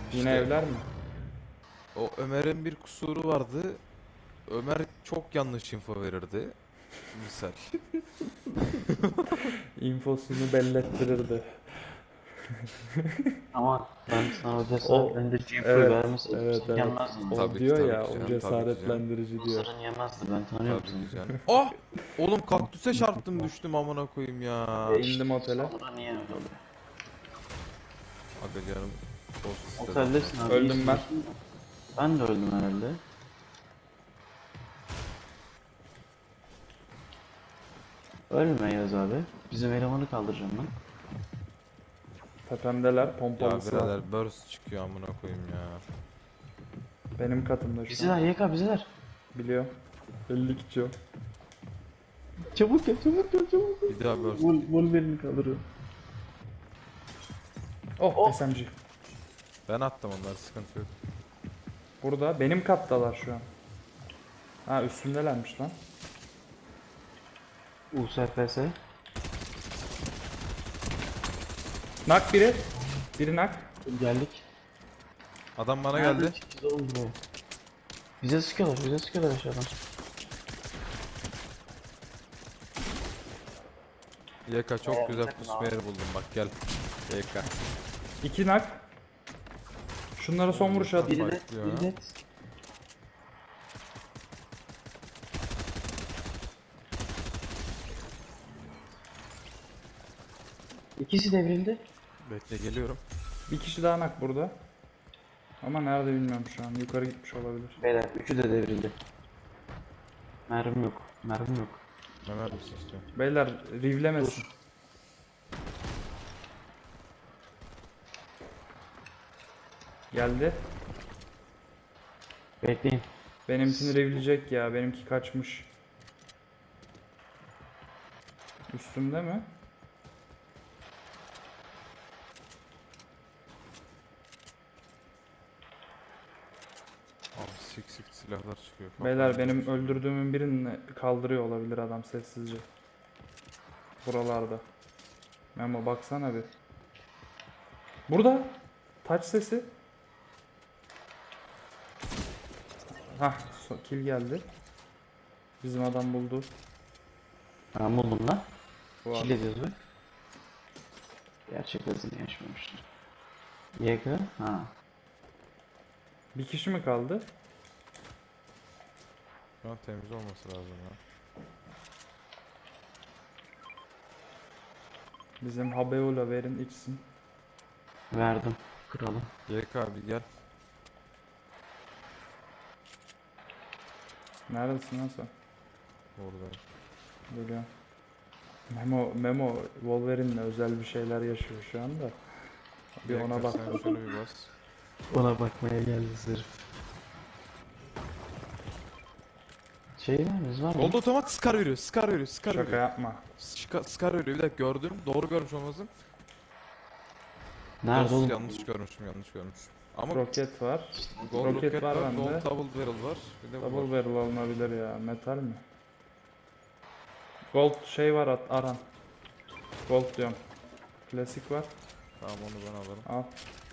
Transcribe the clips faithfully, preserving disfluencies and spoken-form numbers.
Yine İşte evler mi? o Ömer'in bir kusuru vardı. Ömer çok yanlış info verirdi. Misal. İnfosunu bellettirirdi. Ama ben sana o O cesaretlendirici infoyu evet vermeseydim evet sen evet. gelmezdin. O Tabii ki diyor tabii ya ki o canım. Tabii ki canım. cesaretlendirici diyor. Mısır'ın yemezdi, ben tanıyorum Tabii seni. ki canım. Ah! Oğlum kaktüse çarptım düştüm amına koyayım ya. E İndim işte otele. sonra niye öyle oluyor? Aga canım. Post istedim Oteldesin ya. abi, Öldüm iyisin ben. diyorsun da. Ben de öldüm herhalde. Ölme Yaz abi. Bizim elemanı kaldıracağım ben. Tepemdeler Ya pompalısı var. birader burst çıkıyor amına koyayım ya. Benim katımda şu Bizeler an. Y K bizeler. Biliyor. elli kişi o. Çabuk gel, çabuk gel, çabuk gel. Bir daha burst. Vol Wolverine'i kaldırıyor. Oh, Oh. S M G. Ben attım onları, sıkıntı yok. Burada benim kattalar şu an. Ha üstümdelermiş lan. U S F S. Nak biri. Biri nak. Geldik. Adam bana Nereden geldi. çıkacağız oğlum buraya? Bize sıkıyorlar, bize sıkıyorlar aşağıdan. Y K çok Ee, güzel takın pusma abi. yeri buldum bak gel. Y K. İki nak. Şunlara son vuruş at. Biri Bak net, ya. biri net. İkisi devrildi. Bekle geliyorum. Bir kişi daha nak burada. Ama nerede bilmiyorum şu an. Yukarı gitmiş olabilir. Beyler, üçü de devrildi. Mermim yok, mermim yok. Ömer misin istiyorum? Beyler rivlemesin. Geldi. Bekleyin. Benimkini rivleyecek ya. Benimki kaçmış. Üstümde mi? Abi sik sik silahlar çıkıyor. Beyler Kafayı benim yemiş. öldürdüğümün birini kaldırıyor olabilir adam sessizce. Buralarda. Memo baksana bir. Burada. Taç sesi. Hah, so- kill geldi. Bizim adam buldu. Ben buldum lan. Bu Kill adam. ediyoruz bak. Gerçek hızını yaşmamışlar. Y K, ha. Bir kişi mi kaldı? Şu an temiz olması lazım ya. Bizim Habeula verin içsin. Verdim. Kralım. Y K abi gel. Neredesin lan sen? Oradayım. Geliyorum. Memo, Memo Wolverine'le özel bir şeyler yaşıyor şu anda. Bir Y K, ona bak. sen şunu bir bas. Ona bakmaya geldi sırf. Şey vermiz var mı? Gold otomat Scar veriyor. Scar veriyor. Scar Şaka veriyor. yapma. Scar, Scar veriyor. Bir dakika gördüm. Doğru görmüş olmasın. Nerede Dost, oğlum? yanlış görmüşüm, yanlış görmüşüm. Ama Roket var. gold roket roket, var var, bende. gold double barrel var. Bir de bu Double var. barrel alınabilir ya. Metal mi? Gold şey var at Aran. Gold diyorum. Klasik var. Tamam onu ben alırım. Al.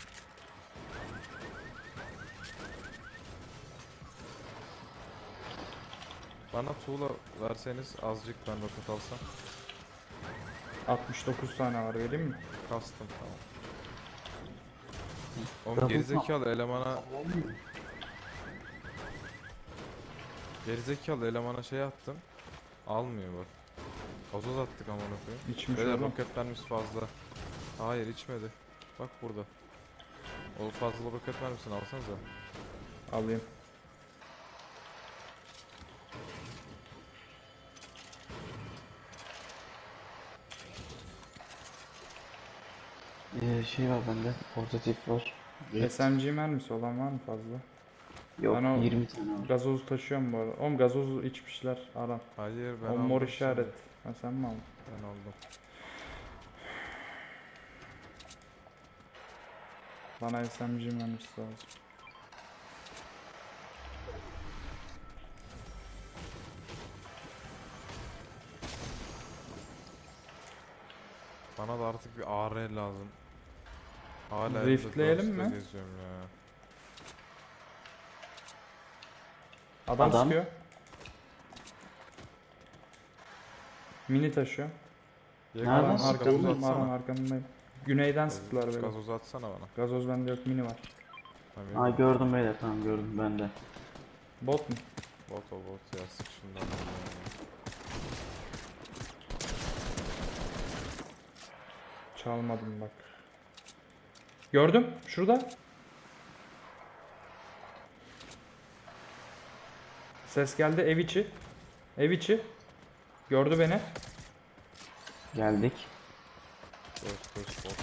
Bana tuğla verseniz azıcık ben roket alsam. altmış dokuz tane var vereyim mi? Kastım tamam. Oğlum Double gerizekalı elemana gerizekalı elemana şey attım. Almıyor bak. Gazoz attık amına koyayım. İçmiş Böyle oğlum. roket mermisi fazla. Hayır içmedi. Bak burada. O fazla roket mermisini alsanıza. Alayım. Ee, şey var bende. Portatif var. S M G mermisi olan var mı fazla? Yok, Ben o- yirmi tane var. Gazozu taşıyorum bu arada. Oğlum gazozu içmişler Aran. Hayır ben O aldım. mor şimdi. işaret. Ha sen mi aldın? Ben aldım. Bana S M G mermisi lazım. Bana da artık bir A R lazım. Hala Riftleyelim Riftleyelim mi? geziyorum ya. Adam, Adam. sıkıyor. Mini taşıyor. Nereden Aran sıkıyor? arkamdayım, Gazoz Aran atsana. arkamdayım. Güneyden Gazoz- sıktılar beni. Gazoz atsana bana. Gazoz bende yok, mini var. Tabii. Aa gördüm beyler, tamam gördüm ben de. Bot mu? Bot o bot ya, sık şundan. ya. Çalmadım bak. Gördüm, şurada. Ses geldi, ev içi. Ev içi. Gördü beni. Geldik. Koş koş bot.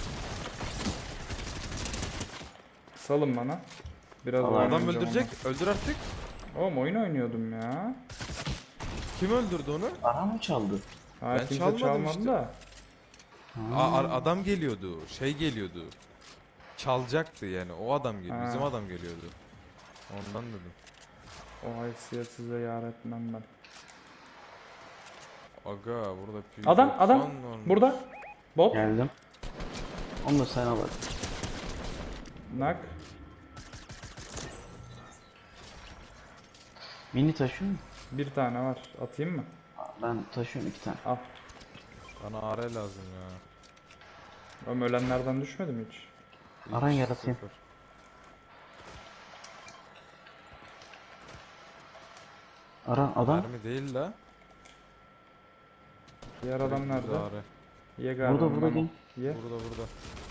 Salın bana. Biraz Allah, oyun Adam oynayacağım öldürecek. Öldür artık. ama. Oğlum oyun oynuyordum ya. Kim öldürdü onu? Ara mı çaldı? Hayır, Ben kimse çalmadım çalmadı işte. da. A- ar- adam geliyordu. Şey geliyordu. Çalacaktı yani. O adam geliyor. Ha. Bizim adam geliyordu. Ondan dedim. O haysiyet size yar etmem ben. Aga burada P Adam, adam. doksan olmuş. Burada. Bot. Geldim. Onu da sen al hadi. Nak. Mini taşıyor mu? Bir tane var. Atayım mı? Aa, ben taşıyorum iki tane. Al. Bana A R lazım ya. Oğlum ölenlerden düşmedi mi hiç? Aran Hiç yaratayım. sıfır. Ara adam. Mermi değil la. Diğer adam Direkt nerede? düz A R. Ye galiba. Burada burada Memo. gel. Ye. Burada burada.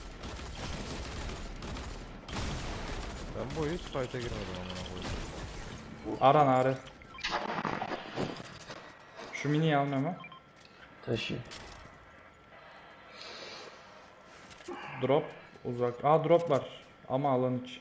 Ben bu hiç fight'a girmedim amına koyayım. Aran Are. Şu miniyi al Memo. Taşı. Drop. Uzak. Aa drop var. Ama alan iç.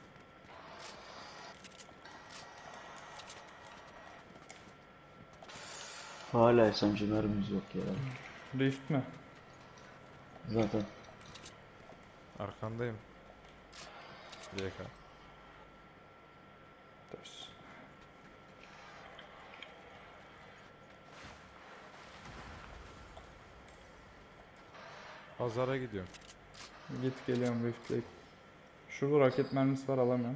Hala S M G mermimiz yok ya. Rift mi? Zaten. Arkandayım. D K. Ters. Pazara gidiyorum. Git geliyorum Rift'leyip. Şurada raket mermisi var, alamıyorum.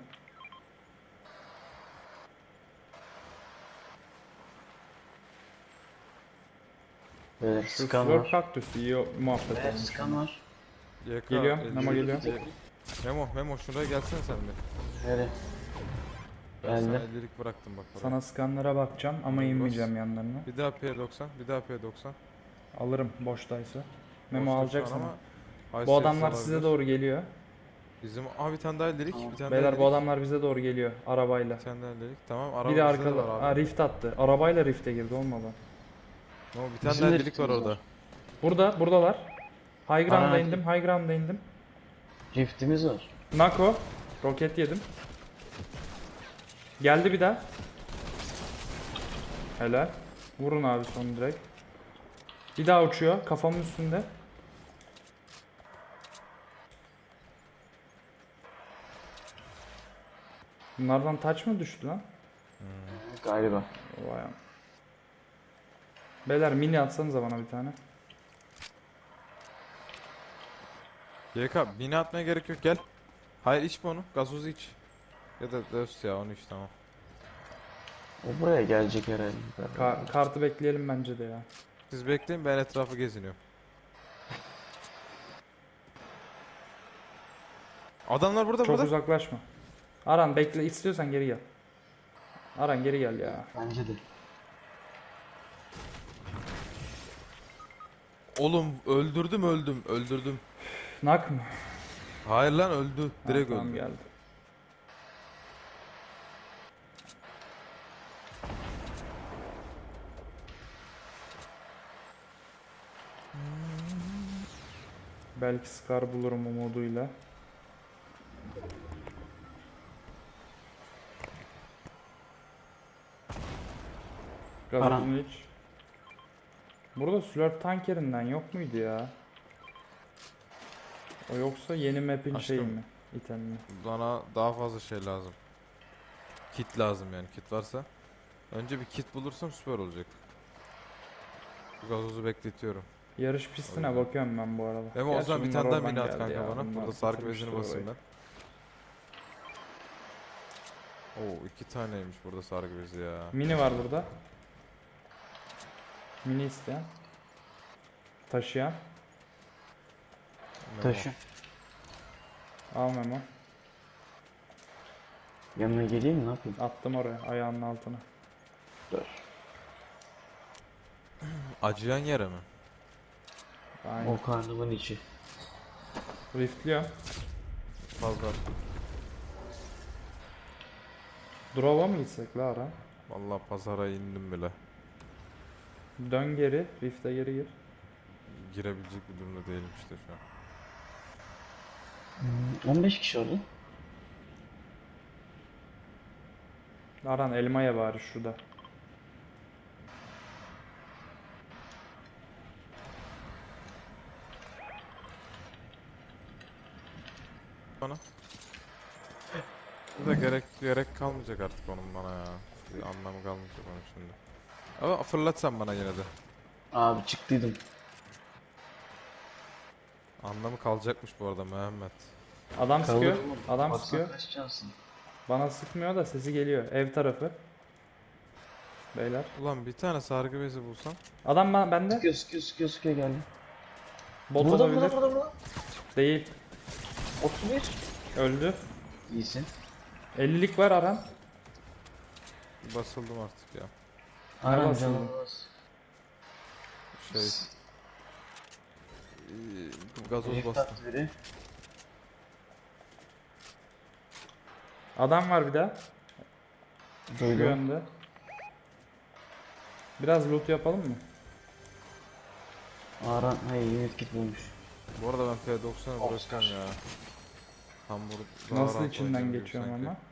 Beyler Şu skan flör var. kaktüsü iyi o- muhabbet Beyler olmuş. skan var. Y K, Geliyorum, elli Memo bir. geliyor. Memo, Memo şuraya gelsene sen bir. Nereye? Ben sana Geldim. ellilik bıraktım bak oraya. Sana skanlara bakacağım ama Bas. inmeyeceğim yanlarına. Bir daha P doksan, bir daha P doksan. Alırım boştaysa. Memo Boşta şu alacak an sana. ama Bu Haysiyet adamlar olabilir. size doğru geliyor. Bizim abi bir tane daha ellilik, Tamam. bir tane Beyler daha bu ellilik. adamlar bize doğru geliyor arabayla. Bir tane daha ellilik. Tamam, araba Bir de bizde de arkada. var abi. Aa, rift attı. Arabayla rifte girdi, olmadı. Memo, bir tane Bizim daha de ellilik var riftimiz orada. var. Burada, buradalar. High ground'a Aa, indim, high ground'a indim. Riftimiz var. Nako. Roket yedim. Geldi bir daha. Helal. Vurun abi son direkt. Bir daha uçuyor kafamın üstünde. Bunlardan taç mı düştü lan? Galiba. Vay am. Beyler mini atsanıza bana bir tane. Y K, bina atmaya gerek yok, gel. Hayır, içme onu, gazozu iç. Ya da döst ya, onu iç, tamam. O buraya gelecek herhalde. Ka- kartı bekleyelim bence de ya. Siz bekleyin, ben etrafı geziniyorum. Adamlar burada, Çok burada. uzaklaşma. Aran bekle, istiyorsan geri gel. Aran geri gel ya. Bence de. Oğlum öldürdüm, öldüm, öldürdüm. Nak mı? Hayır lan, öldü. Ha, Direkt tamam, öldü. geldi. Belki Scar bulurum umuduyla. Gazozunu iç. Burada Slurp tankerinden yok muydu ya? O yoksa yeni map'in şeyi Aşkım. mi? İtemi. Bana daha fazla şey lazım. Kit lazım yani, kit varsa. Önce bir kit bulursam süper olacak. Bu gazozu bekletiyorum. Yarış pistine bakıyorum ben bu arada. Memo o Gerçi zaman bir bunlar tane daha oradan mini at geldi kanka ya, bana. bunlar Burada sargı bitirmiştir bezini basayım orayı. ben. Oo iki taneymiş burada sargı bezi ya. Mini var burada. Mini isteyen. Taşıyan. Memo. Taşı. Al Memo. Yanına geleyim mi? Ne yapayım? Attım oraya ayağının altına. Dur. Acıyan yere mi? Aynen. O karnımın içi. Riftliyorum. Fazla. Drop'a mı gitsek la ara? Vallahi pazara indim bile. Dön geri. Rift'e geri gir. Girebilecek bir durumda değilim işte şu an. Hmm, on beş kişi oldu. Aran elmaya bari şurada. Bana. Bu da gerek gerek kalmayacak artık onun bana ya. Bir anlamı kalmayacak onun şimdi. Ama fırlatsan bana yine de. Abi çıktıydım. Anlamı kalacakmış bu arada Mehmet. Adam sıkıyor. Kalır mı? Adam Baksana sıkıyor. kaç cansın. Bana sıkmıyor da sesi geliyor. Ev tarafı. Beyler. Ulan bir tane sargı bezi bulsam. Adam ben bende. Sıkıyor sıkıyor sıkıyor sıkıyor geldi. Bot Burada olabilir. burada burada burada. Değil. otuz bir. Öldü. İyisin. ellilik var Aran. Basıldım artık ya. Aran basıldın? canım bas. Şey. eee, Gazoz Rift bastım. attı biri. Adam var bir daha. Şu Duydum. yönde. Biraz loot yapalım mı? Aran hayır unit kit bulmuş. Bu arada ben P doksan'ı bırakacağım ya. Hamburg daha Nasıl rahat içinden oynayabilir geçiyorum sanki. ama.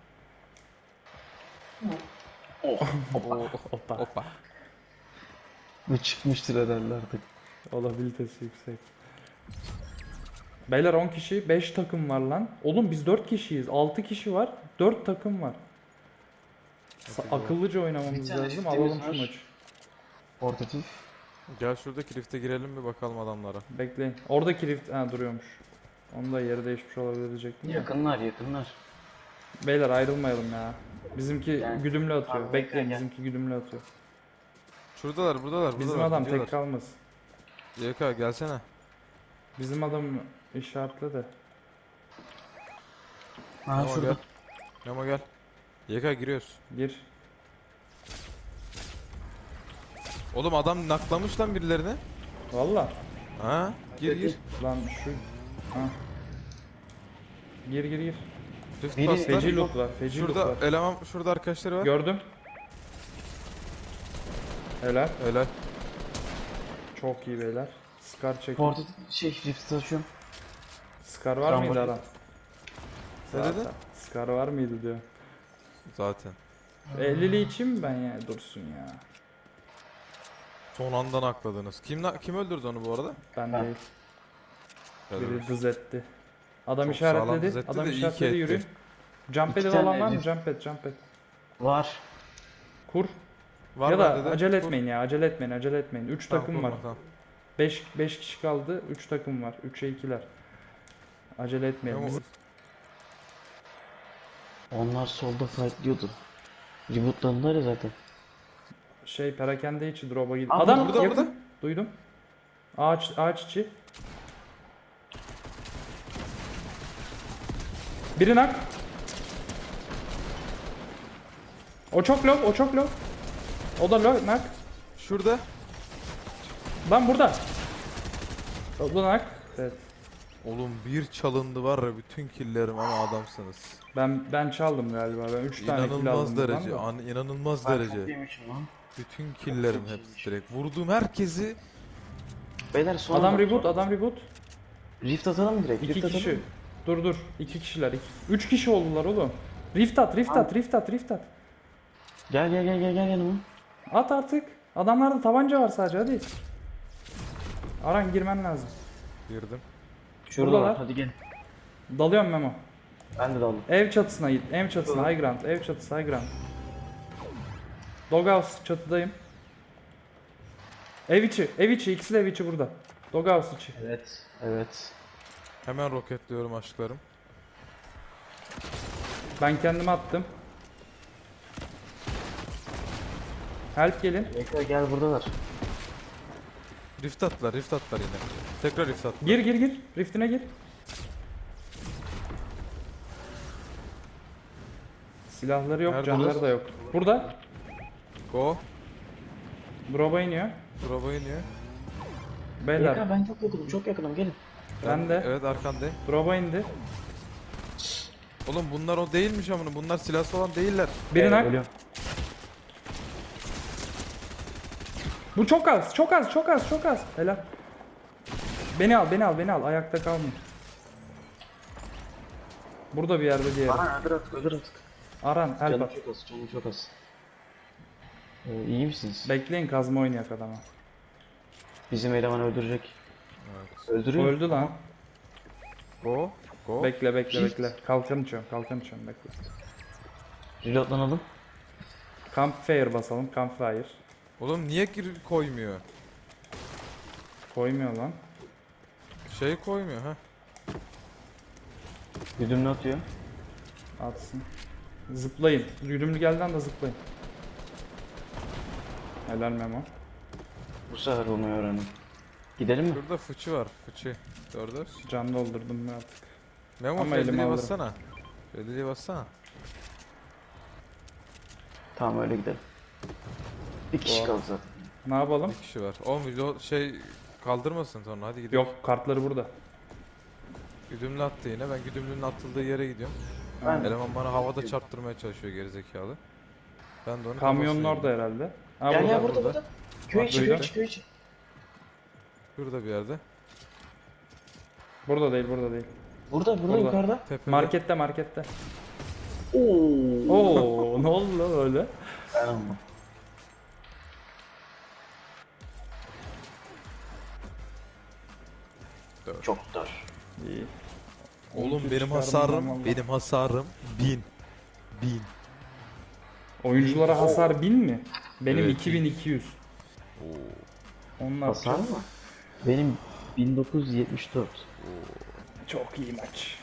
Oh. Oo, Hoppa. hoppa. Bu çıkmıştır herhalde artık. Olabilitesi yüksek. Beyler on kişi, beş takım var lan. Oğlum biz dört kişiyiz. altı kişi var. dört takım var. Sa- Hadi akıllıca Bir oynamamız tane lazım. shift'imiz Alalım şu var. maçı. Portatif. Gel şuradaki lifte girelim bir bakalım adamlara. Bekleyin. Oradaki rift ha, duruyormuş. Onu da yeri değişmiş olabilir diyecektim. de. Yakınlar yakınlar. Beyler ayrılmayalım ya. Bizimki Yani- güdümlü atıyor. Abi, Bekleyin, gel. bizimki güdümlü atıyor. Şuradalar buradalar Bizim buradalar. adam gidiyorlar. tek kalmasın. Y K gelsene. Bizim adam işaretle de. Ha Memo şurada. gel. Memo gel. Y K giriyoruz. Gir. Oğlum adam naklamış lan birilerini. Valla. Ha? Gir gir. Lan şu. Ha. Gir gir gir. Rift Biri- bastılar. Feci loot var. Feci loot Şurada var. eleman şurada arkadaşları var. Gördüm. Helal. Helal. Çok iyi beyler. Scar çekin. Portatif şey rift taşıyorum. Scar var Tamam, mıydı bakayım. Aran? Ne Zaten. dedin? Scar var mıydı diyor. Zaten. ellili için mi ben ya? Dursun ya. Son anda nakladınız. Kim na- kim öldürdü onu bu arada? Ben Ben. değil. Helal Biri olsun. dız etti. Adam Çok sağlam işaretledi. dız etti Adam de iyi ki işaretledi etti. yürüyün. Jump İki edit tane olan var mı? herif. Jump et, jump et. Var. Kur. Var ya da bende de. acele Dur. etmeyin ya. Acele etmeyin, acele etmeyin. üç Tamam, takım kurma, var. tamam. beş beş kişi kaldı. üç takım var. üçe ikiler. Acele etmeyin. Memo, Bizim- Onlar solda fightlıyordu. Rebootlandılar ya zaten. Şey perakende içi drop'a gidiyor. Aa, Adam burada, yakın. burada. Duydum. Ağaç ağaç içi. Biri nak. O çok low, o çok low. O da low nak. Şurada. Lan burada. O da nak. Evet. Oğlum bir çalındı var ya bütün killerim ama adamsınız. Ben ben çaldım galiba. Ben üç tane kill aldım. İnanılmaz buradan derece. da. An inanılmaz Ben derece. çok yemişim lan. Bütün killerim Çok hepsi iyiymiş. direkt. Vurduğum herkesi Beyler sonra Adam bak- reboot, adam reboot. Rift atalım mı direkt? İki Rift atalım kişi. mı? Dur dur. İki kişiler. Iki. Üç kişi oldular oğlum. Rift at, rift at, rift at, rift at. Gel gel gel gel gel yanıma. At artık. Adamlarda tabanca var sadece hadi. Aran girmen lazım. girdim. Şurada Buradalar. var hadi gel. Dalıyorum Memo. Ben de daldım. Ev çatısına git. Ev çatısına high ground. Ev çatısı high ground. Doghouse çatıdayım. Ev içi. Ev içi. İkisi de ev içi burada. Doghouse içi. Evet. Evet. Hemen roketliyorum aşklarım. Ben kendimi attım. Help gelin. Bekle gel buradalar. Rift attılar, rift attılar yine. Tekrar rift attılar. Gir gir gir. Rift'ine gir. Silahları yok, Nerede canları orası? da yok. Burada. Go. Drop'a iniyor. Drop'a iniyor. Beyler. Bekle ben çok yakınım çok yakınım gelin. Ben de. Evet arkandayım. Drop'a indi. Oğlum bunlar o değilmiş amına. Bunlar silahsız olan değiller. Birini nak. Ölüyorum. Bu çok az, çok az, çok az, çok az. Helal. Beni al, beni al, beni al. Ayakta kalmayın. Burada bir yerde diğeri. Bana öldür artık öldür artık. Aran, help Canım at. çok az canım çok az. Ee, iyi misiniz? Bekleyin, kazma oynayak adama. Bizim eleman öldürecek. Evet. Öldürüyor. Öldü lan. Go. Go. Bekle, bekle, Shift. bekle. Kalkan içiyorum, kalkan içiyorum, bekle. Reloadlanalım. Campfire basalım, campfire. Oğlum niye gir koymuyor? Koymuyor lan. Şey koymuyor ha. Güdümlü atıyor. Atsın. Zıplayın. Yürümlü geldi anda zıplayın. Helal Memo. Bu sefer olmayı öğrendim. Gidelim mi? Şurada fıçı var. Fıçı. Gördün. Can doldurdum ben artık. Memo Ama elime Freddy'ye alırım. bassana. Freddy'ye bassana. Tamam öyle gidelim. Bir kişi Doğru. kaldı zaten. Ne yapalım? Bir kişi var. Oğlum video şey kaldırmasın sonra hadi gidelim. Yok, kartları burada. Güdümlü attı yine. Ben güdümlünün atıldığı yere gidiyorum. Ben Eleman bana havada çarptırmaya çalışıyor gerizekalı. Ben de onu Kamyonun kafasına orada herhalde. Ha, Gel burada. gel burada burada. burada. Köy içi köy duydum. içi köy içi. Şurada bir yerde. Burada değil, burada değil. Burada burada Burada. yukarıda. Tepede. Markette, markette. Oo. Oo, ne oldu lan öyle? Ben almam. Dört. Çok dar. İyi. Oğlum Oyuncu benim çıkardım hasarım, ben valla. benim hasarım bin. Bin. Oyunculara hasar bin mi? Benim Evet, iki bin iki yüz. Oo. Onlar Hasar mı? Benim bin dokuz yüz yetmiş dört. çok iyi maç.